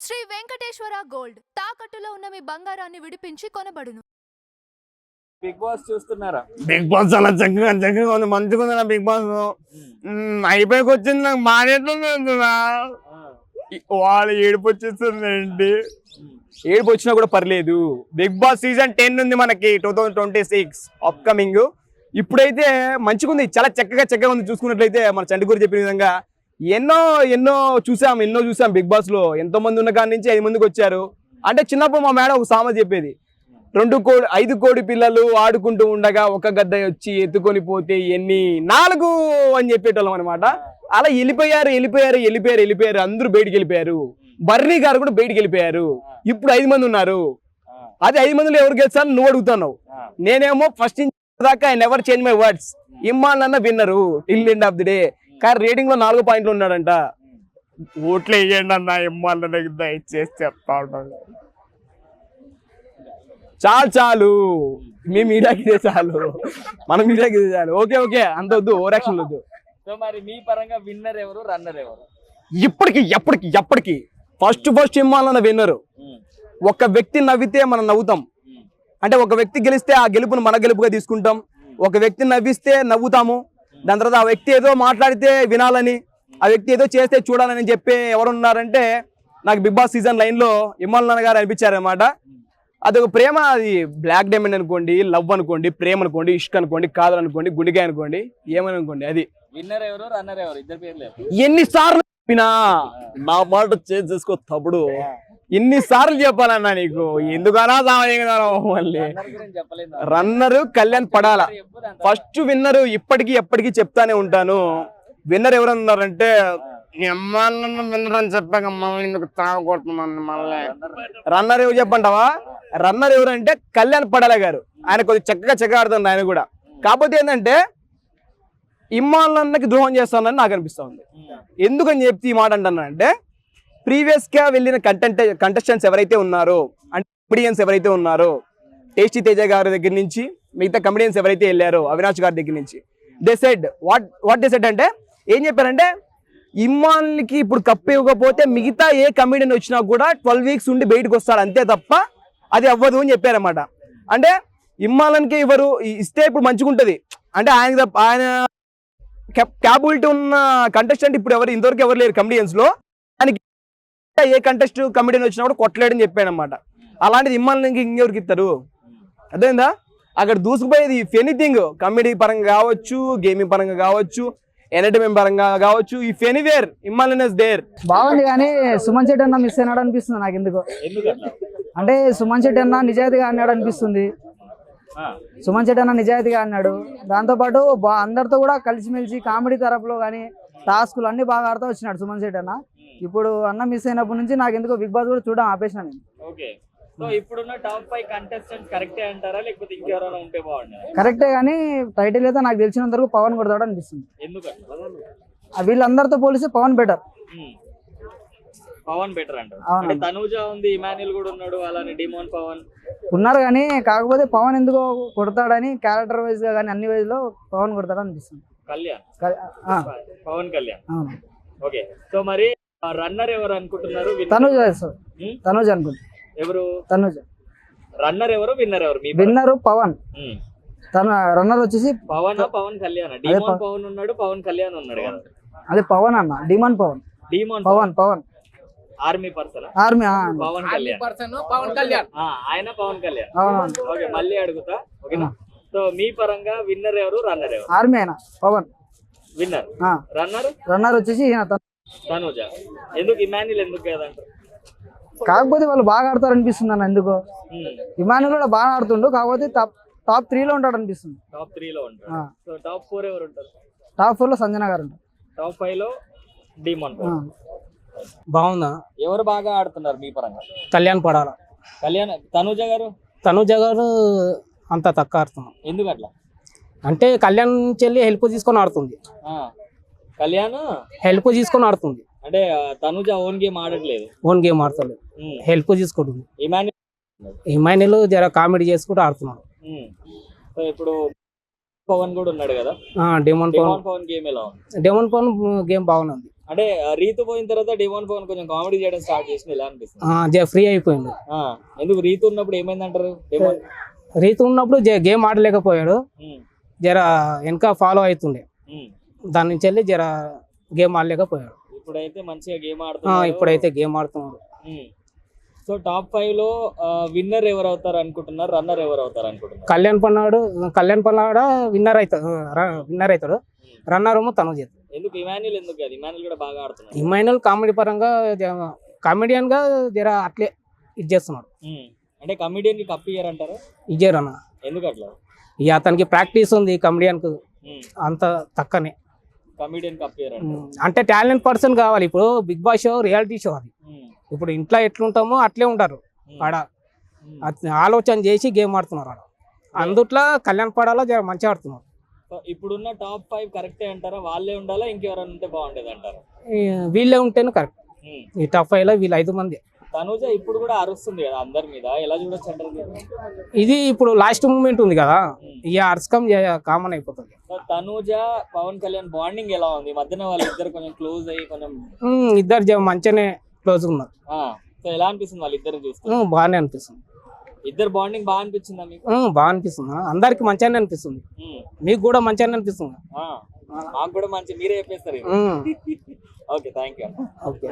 Shri Venkateswara gold తాకట్టులో ఉన్న మీ బంగారాన్ని విడిపించి కొనబడును. బిగ్ బాస్ చూస్తున్నారా? బిగ్ బాస్ చాలా చక్కగా ఉంది, మంచిగా ఉంది. బిగ్ బాస్ అయిపోయికి వచ్చింది, నాకు మానేస్తుంది. వాళ్ళు ఏడుపు వచ్చేస్తుందండి. ఏడుపు వచ్చినా కూడా పర్లేదు. బిగ్ బాస్ సీజన్ 10 ఉంది మనకి 2026 అప్కమింగ్. ఇప్పుడైతే మంచిగా ఉంది, చాలా చక్కగా ఉంది. చూసుకున్నట్లయితే మన చంటికూరు చెప్పిన విధంగా ఎన్నో చూసాం బిగ్ బాస్ లో. ఎంతో మంది ఉన్న కాడి నుంచి 5 మందికి వచ్చారు. అంటే చిన్నప్పుడు మా మేడం ఒక సామెత చెప్పేది, 5 కోడి పిల్లలు ఆడుకుంటూ ఉండగా ఒక గద్ద వచ్చి ఎత్తుకొని పోతే ఎన్ని 4 అని చెప్పేటోళ్ళం అనమాట. అలా వెళ్ళిపోయారు. అందరూ బయటికి వెళ్ళిపోయారు. బర్నీ గారు కూడా బయటికి వెళ్ళిపోయారు. ఇప్పుడు 5 మంది ఉన్నారు. అది 5 మందిలో ఎవరు గెలిచారని నువ్వు అడుగుతున్నావు. నేనేమో ఫస్ట్ దాకా I never change my words. Imman అన్న winner till end of the day. కానీ రేటింగ్ లో 4 పాయింట్లు ఉన్నాడంట. ఓట్లు వేయండి అన్న, ఇమ్మాన్ అన్నకి దయచేసి చెప్తా ఉంటాను. చాలు మీ మీడియాకి ఇదే చాలు, మన మీడియాకి ఇదే చాలు. ఓకే అంత వద్దు, ఓవర్ యాక్షన్ వద్దు. సో మరి మీ పరంగా విన్నర్ ఎవరు, రన్నర్ ఎవరు? ఎప్పటికి ఫస్ట్ ఇమ్మాన్ విన్నరు. ఒక వ్యక్తి నవ్వితే మనం నవ్వుతాం. అంటే ఒక వ్యక్తి గెలిస్తే ఆ గెలుపును మన గెలుపుగా తీసుకుంటాం. ఒక వ్యక్తి నవ్విస్తే నవ్వుతాము. దాని తర్వాత ఆ వ్యక్తి ఏదో మాట్లాడితే వినాలని, ఆ వ్యక్తి ఏదో చేస్తే చూడాలని చెప్పి ఎవరున్నారంటే నాకు బిగ్ బాస్ సీజన్ 9 లో ఇమ్మాన్ గారు అనిపించారనమాట. అదొక ప్రేమ, అది బ్లాక్ డైమండ్ అనుకోండి, లవ్ అనుకోండి, ప్రేమ అనుకోండి, ఇష్క్ అనుకోండి, కాదలు అనుకోండి, గుండెకాయ అనుకోండి, ఏమని అనుకోండి. అది విన్నర్ ఎవరు, రన్నర్ ఎవరు? ఇద్దరు పేర్లు ఎన్నిసార్లు చెప్పినా నా మాట చేంజ్ చేసుకో తప్పుడు. ఎన్నిసార్లు చెప్పాలన్నా నీకు, ఎందుకనా మళ్ళీ runner Kalyan Padala. First winner ఎప్పటికీ చెప్తానే ఉంటాను. విన్నర్ ఎవరన్నారంటే విన్నర్ అని చెప్పాక ఎందుకు తాగొడుతున్నాను మళ్ళీ. రన్నర్ ఎవరు చెప్పంటావా? రన్నర్ ఎవరంటే కళ్యాణ్ పడాల గారు. ఆయన కొద్దిగా చక్కగా ఆడుతుంది ఆయన కూడా. కాకపోతే ఏంటంటే ఇమ్మాన్ అన్నకి ద్రోహం చేస్తానని నాకు అనిపిస్తా ఉంది. ఎందుకని చెప్తే ఈ మాట అంటున్నానంటే, ప్రీవియస్ గా వెళ్ళిన కంటెస్టెంట్స్ ఎవరైతే ఉన్నారో, అంటే కమెడియన్స్ ఎవరైతే ఉన్నారో, టేస్టీ తేజ గారి దగ్గర నుంచి మిగతా కమెడియన్స్ ఎవరైతే వెళ్ళారో, అవినాష్ గారి దగ్గర నుంచి, they said what they said అంటే ఏం చెప్పారంటే, ఇమ్మాన్కి ఇప్పుడు కప్పు ఇవ్వకపోతే మిగతా ఏ కమెడియన్ వచ్చినా కూడా 12 వీక్స్ ఉండి బయటకు వస్తారు, అంతే తప్ప అది అవ్వదు అని చెప్పారన్నమాట. అంటే ఇమ్మాన్కి ఇవ్వరు, ఇస్తే ఇప్పుడు మంచిగా ఉంటుంది. అంటే ఆయన క్యాపబిలిటీ ఉన్న కంటెస్టెంట్ ఇప్పుడు ఇంతవరకు ఎవరు లేరు కమెడియన్స్ లో. ఆయనకి ఏ కంటెస్ట్ కమెడియన్ వచ్చినా కూడా కొట్టలేడని చెప్పాడు అనమాట. అలాంటిది ఇమ్మాన్కి ఇంకెవరికి ఇస్తారు? అర్థమైందా? అక్కడ దూసుకుపోయేది ఇఫ్ ఎనీథింగ్, కమెడీ పరంగా కావచ్చు, గేమింగ్ పరంగా కావచ్చు, ఎంటర్టైన్మెంట్ పరంగా కావచ్చు, if anywhere Imman is there. బాగుంది. కానీ సుమన్ శెట్టి అన్న మిస్ అయినాడు అనిపిస్తుంది నాకు. ఎందుకు అంటే సుమన్ శెట్టి అన్న నిజాయితీగా అన్నాడు అనిపిస్తుంది. సుమన్ శెట్టి అన్న నిజాయితీగా అన్నాడు. దాంతోపాటు అందరితో కూడా కలిసిమెలిసి కామెడీ తరపులో కానీ టాస్కులు అన్ని బాగా ఆడుతూ వచ్చినాడు సుమన్ శెట్టి అన్న. ఇప్పుడు అన్న మిస్ అయినప్పటి నుంచి నాకు ఎందుకో బిగ్ బాస్ కూడా చూడడం ఆపేసిన నేను. ఇప్పుడున్న టాప్ 5 కంటెస్టెంట్స్ కరెక్టే అంటారా, లేకపోతే ఇంకెవరైనా ఉంటే బాగుంటుంది? కరెక్టే, కానీ టైటిల్ అయితే నాకు తెలిసినంత వరకు పవన్ కొడతాడు అనిపిస్తుంది. వీళ్ళందరితో పోలిస్తే పవన్ బెటర్. పవన్ బెటర్ అంటారు. తనూజ ఉంది, ఇమాన్యుల్ కూడా ఉన్నాడు, అలానే డిమోన్ పవన్ ఉన్నారు. కానీ కాకపోతే పవన్ ఎందుకో కొడతాడని క్యారెక్టర్ వైజ్ గా కానీ అన్ని వైజ్ లో పవన్ కొడతాడు అనిపిస్తుంది. పవన్ కళ్యాణ్. ఓకే, సో మరి రన్నర్ ఎవరు అనుకుంటున్నారు? తనూజ అనుకుంటున్నారు. ఎవరు తనూజ? రన్నర్ ఎవరు, విన్నర్ ఎవరు? విన్నర్ పవన్, రన్నర్ వచ్చేసి పవన్ కళ్యాణ్. డిమోన్ పవన్ ఉన్నాడు, పవన్ కళ్యాణ్ ఉన్నాడు కదా. అదే పవన్ అన్న, demon Pawan. Pawan army person, army Pawan Kalyan. ఆయన పవన్ కళ్యాణ్. ఓకే, మళ్ళీ అడుగుతా. ఓకేనా? సో మీ పరంగా విన్నర్ ఎవరు, రన్నర్ ఎవరు? ఆర్మీ అయినా పవన్ విన్నర్. రన్నర్ వచ్చేసి తనూజ. ఎందుకు ఇమాన్యుల్ ఎందుకు కదంటారు? కాకపోతే వాళ్ళు బాగా ఆడతారు అనిపిస్తుంది అన్న. ఎందుకో ఇమాన్యుల్ కూడా బాగా ఆడుతుండు, కాకపోతే టాప్ 3 లో ఉంటాడు అనిపిస్తుంది. టాప్ 3 లో ఉంటాడు. సో టాప్ 4 ఎవరు ఉంటారు? టాప్ 4 లో సంజన గారు ఉంటారు. టాప్ 5 లో డిమోన్. బాగుందా? ఎవరు బాగా ఆడుతున్నారు మీ పరంగా? కళ్యాణ్ పడాల. తనూజ గారు అంత తక్కువ ఆడుతున్నారు. ఎందుకు అట్లా? అంటే కళ్యాణ్ చెల్లి హెల్ప్ తీసుకొని ఆడుతుంది. హెల్ప్ తీసుకొని ఆడుతుంది. అంటే తనూజ ఓన్ గేమ్ ఆడట్లేదు. ఓన్ గేమ్ ఆడతలేదు, హెల్ప్ తీసుకుంటుంది. ఇమాన్యుల్ జర కామెడీ చేసుకుంటూ ఆడుతున్నాడు. సో ఇప్పుడు పవన్ కూడా ఉన్నాడు కదా. డెమోన్ పవన్ గేమ్ ఎలా ఉంది? డెమోన్ పవన్ గేమ్ బాగుంది. అంటే రీతు పోయిన తర్వాత డిమాండ్ పవన్ కొంచెం కామెడీ చేయడం స్టార్ట్ చేసిన ఎలా అనిపిస్తుంది? ఫ్రీ అయిపోయిండు. ఎందుకు రీతు ఉన్నప్పుడు ఏమైందంటారు? డిమాండ్ రీతు ఉన్నప్పుడు గేమ్ ఆడలేకపోయాడు, జర వెనక ఫాలో అవుతుండే, దాని నుంచి వెళ్ళి జర గేమ్ ఆడలేకపోయాడు. ఇప్పుడైతే మంచిగా గేమ్ ఆడుతున్నారు. ఇప్పుడైతే గేమ్ ఆడుతున్నాడు. సో టాప్ 5 లో విన్నర్ ఎవరు అవుతారు అనుకుంటున్నారు, రన్నర్ ఎవరు అవుతారు అనుకుంటున్నారు? కళ్యాణ్ పన్నాడు విన్నర్ అవుతాడు, రన్నర్ ఏమో తనుజ్. ఎందుకు ఇమాన్యుల్? ఎందుకు అది ఇమాన్యుల్ కూడా బాగా ఆడుతున్నాడు. ఇమాన్యుల్ కామెడీ పరంగా కామెడియన్ గా జర అట్లే ఇది చేస్తున్నాడు. అంటే కమిడియన్ కి కప్ ఇయ్యారంటారా? ఇచ్చారు అన్న. ఎందుకు అట్లా? ఇక అతనికి ప్రాక్టీస్ ఉంది, కమెడియన్ కు అంత తక్కనే. కమిడియన్ కప్ ఇయ్యారంట అంటే టాలెంట్ పర్సన్ కావాలి. ఇప్పుడు Bigg Boss show reality show అది. ఇప్పుడు ఇంట్లో ఎట్లుంటామో అట్లే ఉంటారు ఆడ, ఆలోచన చేసి గేమ్ ఆడుతున్నారు ఆడ. అందుట్లో కళ్యాణ్ పడాలో మంచిగా ఆడుతున్నారు. ఇప్పుడున్న టాప్ 5 కరెక్టే అంటారా? వాళ్ళే ఉండాలా, ఇంకెవరైనా ఉంటే బాగుండేది అంటారా? వీళ్ళే ఉంటేనే కరెక్ట్. ఈ టాప్ 5 లో వీళ్ళు 5 మంది. తనుజ ఇప్పుడు కూడా అరుస్తుంది కదా అందరి మీద, ఎలా చూడొచ్చు అంటారు? ఇది ఇప్పుడు లాస్ట్ మూమెంట్ ఉంది కదా, ఇక అర్స్కం కామన్ అయిపోతుంది. తనుజ పవన్ కళ్యాణ్ బాండింగ్ ఎలా ఉంది? మధ్యన వాళ్ళిద్దరు కొంచెం క్లోజ్ అయ్యి కొంచెం ఇద్దరు మంచిగానే క్లోజ్ ఉన్నారు. సో ఎలా అనిపిస్తుంది వాళ్ళిద్దరు చూస్తే? బాగానే అనిపిస్తుంది. ఇద్దరు బాండింగ్ బాగా అనిపించిందా మీకు? బాగా అనిపిస్తుంది, అందరికి మంచిగానే అనిపిస్తుంది. మీకు కూడా మంచిగానే అనిపిస్తుంది? మాకు కూడా మంచి, మీరే చెప్పేస్తారు. Okay, thank you. ఓకే.